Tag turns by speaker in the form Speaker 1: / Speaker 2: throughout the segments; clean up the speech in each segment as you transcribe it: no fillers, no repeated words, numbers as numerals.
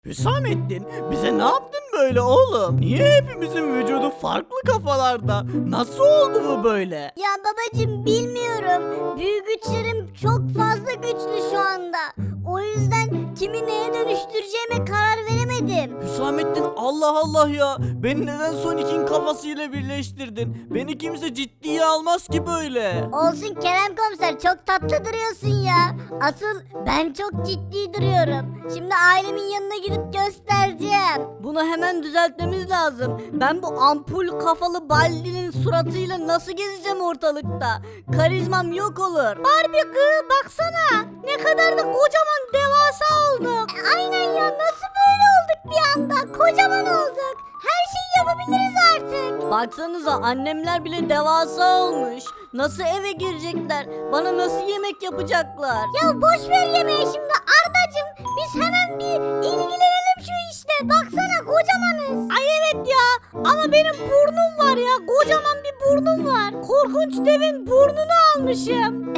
Speaker 1: Hüsamettin, bize ne yaptın böyle oğlum? Niye hepimizin vücudu farklı kafalarda? Nasıl oldu bu böyle?
Speaker 2: Ya babacım bilmiyorum. Büyü güçlerim çok fazla güçlü şu anda. O yüzden kimi neye dönüştüreceğime karar veremedim.
Speaker 1: Hüsamettin, Allah Allah ya. Beni neden Sonic'in kafasıyla birleştirdin? Beni kimse ciddiye almaz ki böyle.
Speaker 2: Olsun Kerem komiser, çok tatlı duruyorsun ya. Asıl ben çok ciddi duruyorum. Şimdi ailemin yanına gidip göstereceğim.
Speaker 3: Bunu hemen düzeltmemiz lazım. Ben bu ampul kafalı Baldi'nin suratıyla nasıl gezeceğim ortalıkta? Karizmam yok olur. Barbie kız baksana. Ne kadar da kocaman devasa olduk.
Speaker 2: Aynen ya, nasıl böyle olduk bir anda? Kocaman olduk. Her şeyi yapabiliriz artık.
Speaker 3: Baksanıza annemler bile devasa olmuş. Nasıl eve girecekler? Bana nasıl yemek yapacaklar?
Speaker 2: Ya boş ver yemeği şimdi Ardacığım. Biz hemen bir ilgilenelim şu işte. Baksana kocamanız.
Speaker 3: Ay evet ya ama benim burnum var ya, kocaman bir burnum var. Korkunç devin burnunu almışım.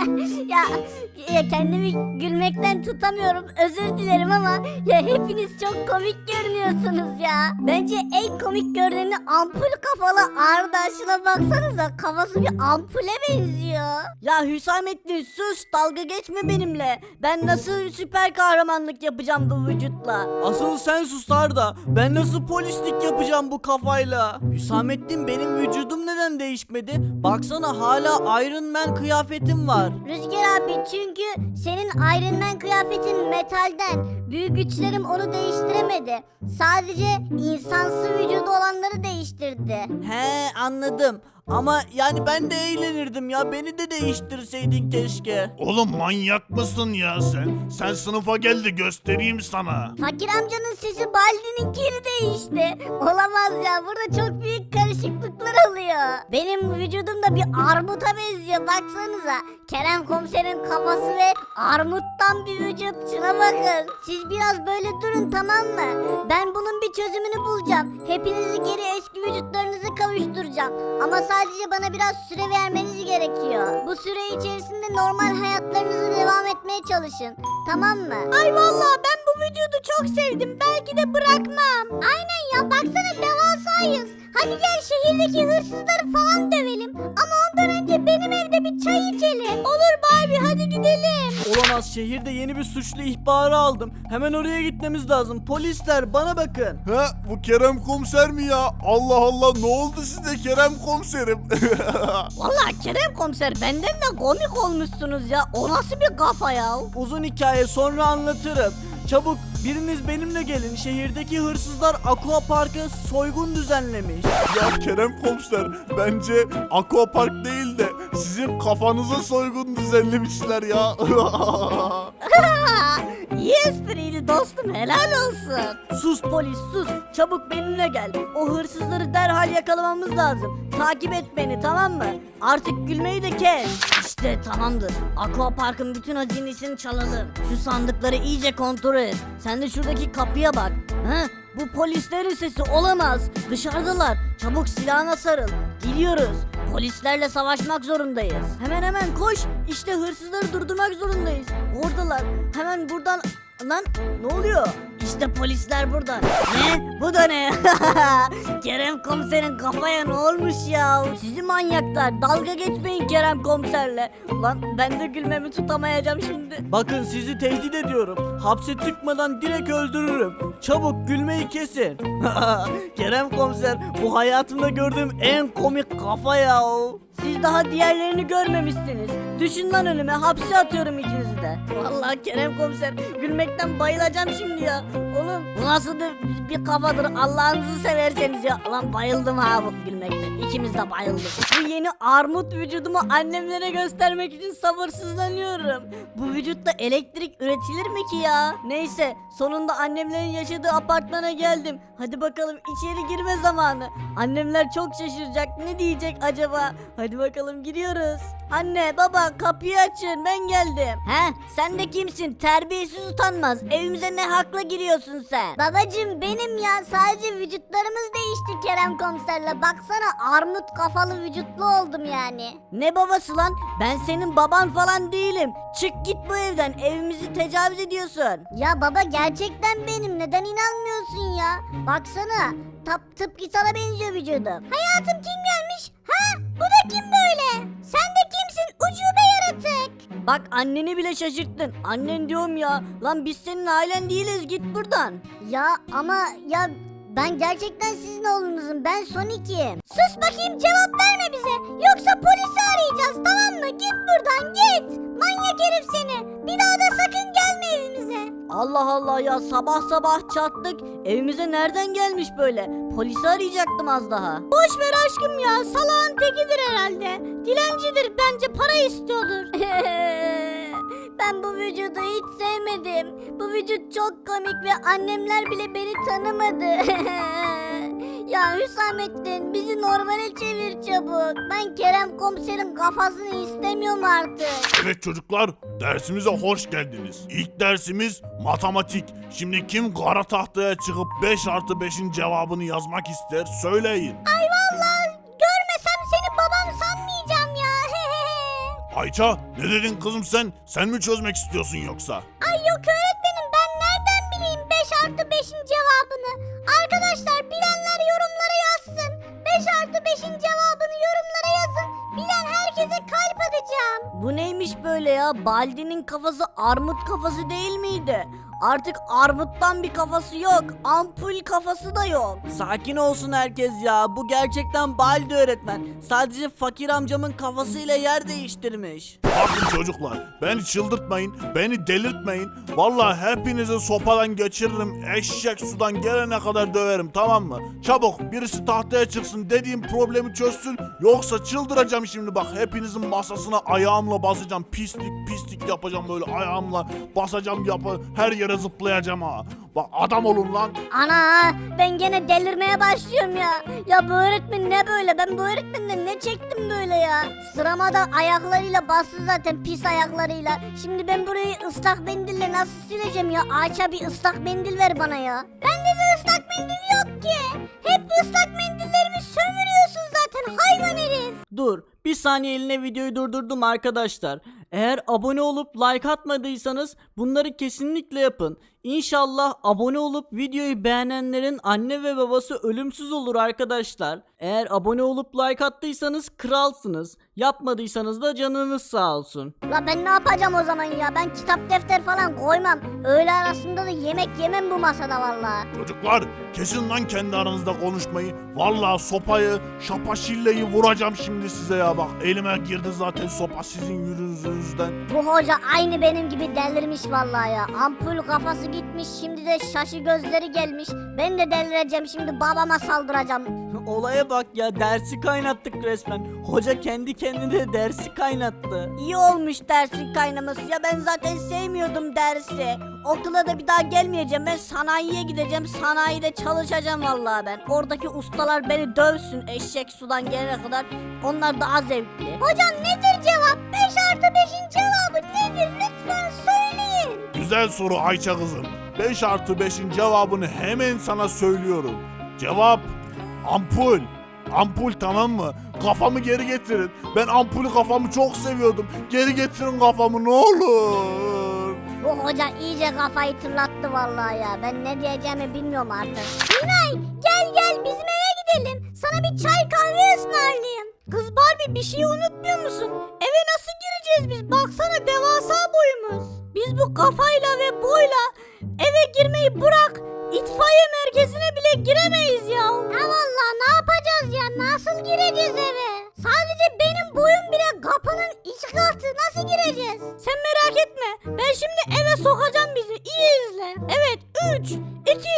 Speaker 2: ya kendimi gülmekten tutamıyorum. Özür dilerim ama ya hepiniz çok komik görünüyorsunuz ya. Bence en komik görüneni ampul kafalı Arda. Şuna baksanıza, kafası bir ampule benziyor.
Speaker 3: Ya Hüsamettin sus, dalga geçme benimle. Ben nasıl süper kahramanlık yapacağım bu vücutla?
Speaker 1: Asıl sen sus Arda. Ben nasıl polislik yapacağım bu kafayla? Hüsamettin, benim vücudum neden değişmedi? Baksana, hala Iron Man kıyafetim var.
Speaker 2: Rüzgar abi, çünkü senin Iron Man kıyafetin metalden. Büyük güçlerim onu değiştiremedi. Sadece insansı vücudu olanları değiştirdi.
Speaker 1: He, anladım. Ama yani ben de eğlenirdim ya. Beni de değiştirseydin keşke.
Speaker 4: Oğlum manyak mısın ya sen? Sen sınıfa gel de göstereyim sana.
Speaker 2: Fakir amcanın sesi Baldi'ninkini değişti. Olamaz ya, burada çok büyük karışıklıklar oluyor. Benim vücudum da bir armuta benziyor, baksanıza. Kerem komiserin kafası ve armuttan bir vücut, şuna bakın. Siz biraz böyle durun, tamam mı? Ben bunun bir çözümünü bulacağım. Hepinizi geri eski vücutlarınızı kavuşturacağım. Ama sadece bana biraz süre vermeniz gerekiyor. Bu süre içerisinde normal hayatlarınızı devam etmeye çalışın. Tamam mı?
Speaker 3: Ay vallahi ben bu vücudu çok sevdim. Belki de bırakmam.
Speaker 2: Aynen ya, baksana devasayız. Hadi gel şehirdeki hırsızları falan dövelim. Ama ondan önce benim evde bir çay içelim.
Speaker 3: Olur Barbie, hadi gidelim.
Speaker 1: Olamaz, şehirde yeni bir suçlu ihbarı aldım. Hemen oraya gitmemiz lazım. Polisler, bana bakın.
Speaker 4: He bu Kerem komiser mi ya? Allah Allah, ne oldu size Kerem komiserim?
Speaker 3: Vallahi Kerem komiser, benden de komik olmuşsunuz ya. O nasıl bir kafa ya?
Speaker 1: Uzun hikaye, sonra anlatırım. Çabuk biriniz benimle gelin. Şehirdeki hırsızlar Aqua Park'a soygun düzenlemiş.
Speaker 4: Ya Kerem komiser, bence aquapark değil de sizin kafanıza soygun düzenlemişler ya.
Speaker 3: İyi espriydi dostum, helal olsun. Sus polis sus, çabuk benimle gel. O hırsızları derhal yakalamamız lazım. Takip et beni, tamam mı? Artık gülmeyi de kes. İşte tamamdır. Aqua Park'ın bütün hazinesini çalalım. Şu sandıkları iyice kontrol et. Sen de şuradaki kapıya bak. Ha? Bu polislerin sesi olamaz. Dışarıdalar. Çabuk silahına sarıl. Gidiyoruz. Polislerle savaşmak zorundayız. Hemen koş. İşte hırsızları durdurmak zorundayız. Oradalar. Hemen buradan... Lan ne oluyor? İşte polisler burada. Ne? Bu da ne? Kerem komiserin kafaya ne olmuş ya? Sizi manyaklar. Dalga geçmeyin Kerem komiserle. Lan ben de gülmemi tutamayacağım şimdi.
Speaker 1: Bakın, sizi tehdit ediyorum. Hapse tıkmadan direkt öldürürüm. Çabuk gülmeyi kesin. Kerem komiser, bu hayatımda gördüğüm en komik kafa ya.
Speaker 3: Siz daha diğerlerini görmemişsiniz. Düşün lan önüme, hapse atıyorum ikinizi de. Vallahi Kerem komiser, gülmekten bayılacağım şimdi ya. Oğlum bu nasıl bir kafadır, Allah'ınızı severseniz ya. Lan bayıldım ha bu gülmekten. İkimiz de bayıldık. Bu yeni armut vücudumu annemlere göstermek için sabırsızlanıyorum. Bu vücutta elektrik üretilir mi ki ya? Neyse, sonunda annemlerin yaşadığı apartmana geldim. Hadi bakalım, içeri girme zamanı. Annemler çok şaşıracak, ne diyecek acaba? Hadi bakalım, giriyoruz. Anne baba, kapıyı açın, ben geldim. He, sen de kimsin? Terbiyesiz, utanmaz. Evimize ne hakla giriyorsun sen? sen?
Speaker 2: Babacım benim ya, sadece vücutlarımız değişti Kerem komiserle. Baksana, armut kafalı vücutlu oldum yani.
Speaker 3: Ne babası lan? Ben senin baban falan değilim. Çık git bu evden. Evimizi tecavüz ediyorsun.
Speaker 2: Ya baba, gerçekten benim, neden inanmıyorsun ya? Baksana, tıpkı sana benziyor vücudum. Hayatım, kim gelmiş? Ha, bu da kim böyle? Sen de kimsin ucube yaratık?
Speaker 3: Bak anneni bile şaşırttın. Annen diyorum ya. Lan biz senin ailen değiliz, git buradan.
Speaker 2: Ya ama ya, ben gerçekten sizin oğlunuzum, ben Sonic'im. Sus bakayım, cevap verme bize, yoksa polisi arayacağız, tamam mı? Git buradan, git. Manyak herif seni. Bir daha da sakın gelme evimize.
Speaker 3: Allah Allah ya, sabah sabah çattık. Evimize nereden gelmiş böyle? Polisi arayacaktım az daha.
Speaker 2: Boş ver aşkım ya, salağın tekidir herhalde. Dilencidir, bence para istiyordur. Ben bu vücudu hiç sevmedim. Bu vücut çok komik ve annemler bile beni tanımadı. Ya Hüsamettin, bizi normale çevir çabuk. Ben Kerem komiserin kafasını istemiyorum artık.
Speaker 4: Evet çocuklar, dersimize hoş geldiniz. İlk dersimiz matematik. Şimdi kim kara tahtaya çıkıp 5+5'in cevabını yazmak ister söyleyin.
Speaker 2: Ay vallahi görmesem seni babam sanmayacağım ya.
Speaker 4: Ayça, ne dedin kızım sen? Sen mi çözmek istiyorsun yoksa?
Speaker 2: Ay yok öğretmenim, ben nereden bileyim 5+5'in cevabını? Arkadaşlar, bilenler yorumlara yazsın. 5+5'in cevabını yorumlara yazın. Bilen herkese kalp atacağım.
Speaker 3: Bu neymiş böyle ya? Baldi'nin kafası armut kafası değil miydi? Artık armuttan bir kafası yok. Ampul kafası da yok.
Speaker 1: Sakin olsun herkes ya. Bu gerçekten Baldi öğretmen. Sadece fakir amcamın kafasıyla yer değiştirmiş.
Speaker 4: Bakın çocuklar, beni çıldırtmayın, beni delirtmeyin. Vallahi hepinizi sopadan geçiririm, eşek sudan gelene kadar döverim, tamam mı? Çabuk birisi tahtaya çıksın, dediğim problemi çözsün, yoksa çıldıracağım şimdi bak. Hepinizin masasına ayağımla basacağım, pislik yapacağım, böyle ayağımla basacağım, her yere zıplayacağım ha. Bak adam olun lan.
Speaker 2: Ana, ben gene delirmeye başlıyorum ya. Ya bu öğretmen ne böyle? Ben bu öğretmenden ne çektim böyle ya? Sırama da ayaklarıyla bastı zaten, pis ayaklarıyla. Şimdi ben burayı ıslak mendille nasıl sileceğim ya? Ayça, bir ıslak mendil ver bana ya. Bende de ıslak mendil yok ki. Hep ıslak mendillerimi sömürüyorsun zaten, hayvan herif.
Speaker 1: Dur, bir saniye eline videoyu durdurdum arkadaşlar. Eğer abone olup like atmadıysanız bunları kesinlikle yapın. İnşallah abone olup videoyu beğenenlerin anne ve babası ölümsüz olur arkadaşlar. Eğer abone olup like attıysanız kralsınız. Yapmadıysanız da canınız sağ olsun.
Speaker 2: La ben ne yapacağım o zaman ya? Ben kitap defter falan koymam. Öğle arasında da yemek yemem bu masada vallahi.
Speaker 4: Çocuklar, kesin lan kendi aranızda konuşmayı. Vallahi sopayı, şapaşilleyi vuracağım şimdi size ya bak. Elime girdi zaten sopa sizin yüzünüzden.
Speaker 2: Bu hoca aynı benim gibi delirmiş vallahi ya. Ampul kafası gitmiş, şimdi de şaşı gözleri gelmiş. Ben de delireceğim şimdi, babama saldıracağım.
Speaker 1: Olaya bak ya, dersi kaynattık resmen. Hoca kendi kendine dersi kaynattı.
Speaker 3: İyi olmuş dersin kaynaması. Ya ben zaten sevmiyordum dersi. Okula da bir daha gelmeyeceğim. Ben sanayiye gideceğim. Sanayide çalışacağım vallahi ben. Oradaki ustalar beni dövsün eşek sudan gelene kadar. Onlar daha zevkli.
Speaker 2: Hocam nedir cevap? 5+5'in cevabı nedir? Lütfen söyleyin.
Speaker 4: Güzel soru Ayça kızım. 5+5'in cevabını hemen sana söylüyorum. Cevap ampul. Ampul, tamam mı? Kafamı geri getirin. Ben ampulü, kafamı çok seviyordum. Geri getirin kafamı ne olur.
Speaker 2: Bu hoca iyice kafayı tırlattı vallahi ya. Ben ne diyeceğimi bilmiyorum artık. Miray, gel bizim eve gidelim. Sana bir çay kahve ısmarlayayım.
Speaker 3: Kız Barbie, bir şey unutmuyor musun? Eve nasıl gireceğiz biz? Baksana devasa boyumuz. Biz bu kafayla ve boyla eve girmeyi bırak, itfaiye merkezine bile giremeyiz ya.
Speaker 2: Ha vallahi ne yapacağız ya? Nasıl gireceğiz eve? Sadece benim boyum bile kapının iki katı. Nasıl gireceğiz?
Speaker 3: Sen merak etme. Ben şimdi eve sokacağım bizi. İyi izle. Evet, 3, 2,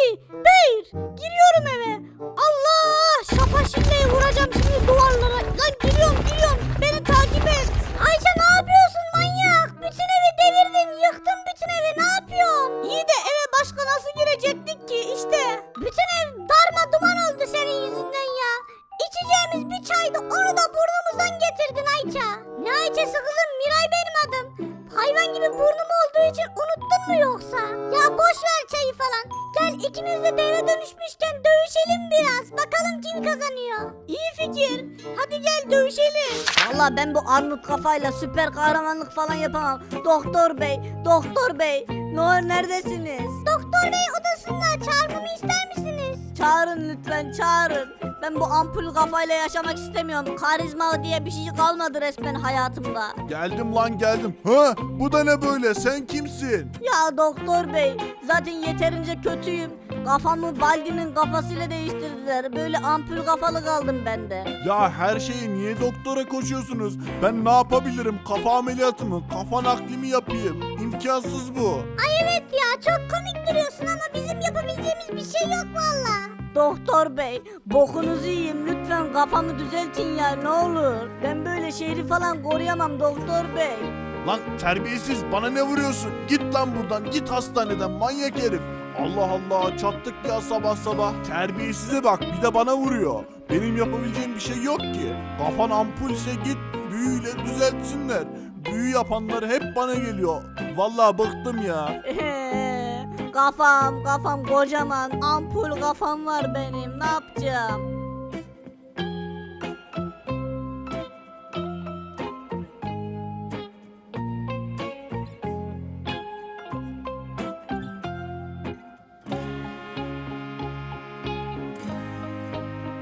Speaker 3: 1. Giriyorum eve. Allah! Şapaşilleyi vuracağım şimdi duvarlara. Lan giriyorum. Beni takip et.
Speaker 2: Ayça, ne yapıyorsun manyak? Bütün evi devirdin, yıktın bütün evi, ne yapıyorsun?
Speaker 3: İyi de eve başka nasıl girecektik ki işte.
Speaker 2: Bütün ev darma duman oldu senin yüzünden ya. İçeceğimiz bir çaydı, onu da burnumuzdan getirdin Ayça. Ne Ayça'sı kızım, Miray benim adım. Hayvan gibi burnum olduğu için unuttun mu yoksa? Ya boş ver çayı falan. Gel ikimiz de deve dönüşmüşken dövüşelim biraz. Bakalım kim kazanıyor.
Speaker 3: İyi fikir. Hadi gel dövüşelim. Valla ben bu armut kafayla süper kahramanlık falan yapamam. Doktor bey, doktor bey. Ne olur neredesiniz?
Speaker 2: Doktor bey odasında, çağırmamı ister misiniz?
Speaker 3: Çağırın lütfen çağırın. Ben bu ampul kafayla yaşamak istemiyorum. Karizma diye bir şey kalmadı resmen hayatımda.
Speaker 4: Geldim lan geldim. Ha, bu da ne böyle? Sen kimsin?
Speaker 3: Ya doktor bey zaten yeterince kötüyüm. Kafamı Baldi'nin kafasıyla değiştirdiler. Böyle ampul kafalı kaldım ben de.
Speaker 4: Ya her şeyi niye doktora koşuyorsunuz? Ben ne yapabilirim? Kafa ameliyatı mı? Kafa nakli mi yapayım? İmkansız bu.
Speaker 2: Ay evet ya, çok komik duruyorsun ama bizim yapabileceğimiz bir şey yok valla.
Speaker 3: Doktor bey bokunuzu yiyeyim lütfen kafamı düzeltin ya ne olur. Ben böyle şehri falan koruyamam doktor bey.
Speaker 4: Lan terbiyesiz, bana ne vuruyorsun? Git lan buradan, git hastaneden manyak herif. Allah Allah, çattık ya sabah sabah. Terbiyesize bak, bir de bana vuruyor. Benim yapabileceğim bir şey yok ki. Kafan ampulse git büyüyle düzeltsinler. Büyü yapanlar hep bana geliyor. Vallahi bıktım ya.
Speaker 3: Kafam kocaman ampul kafam var benim ne yapacağım?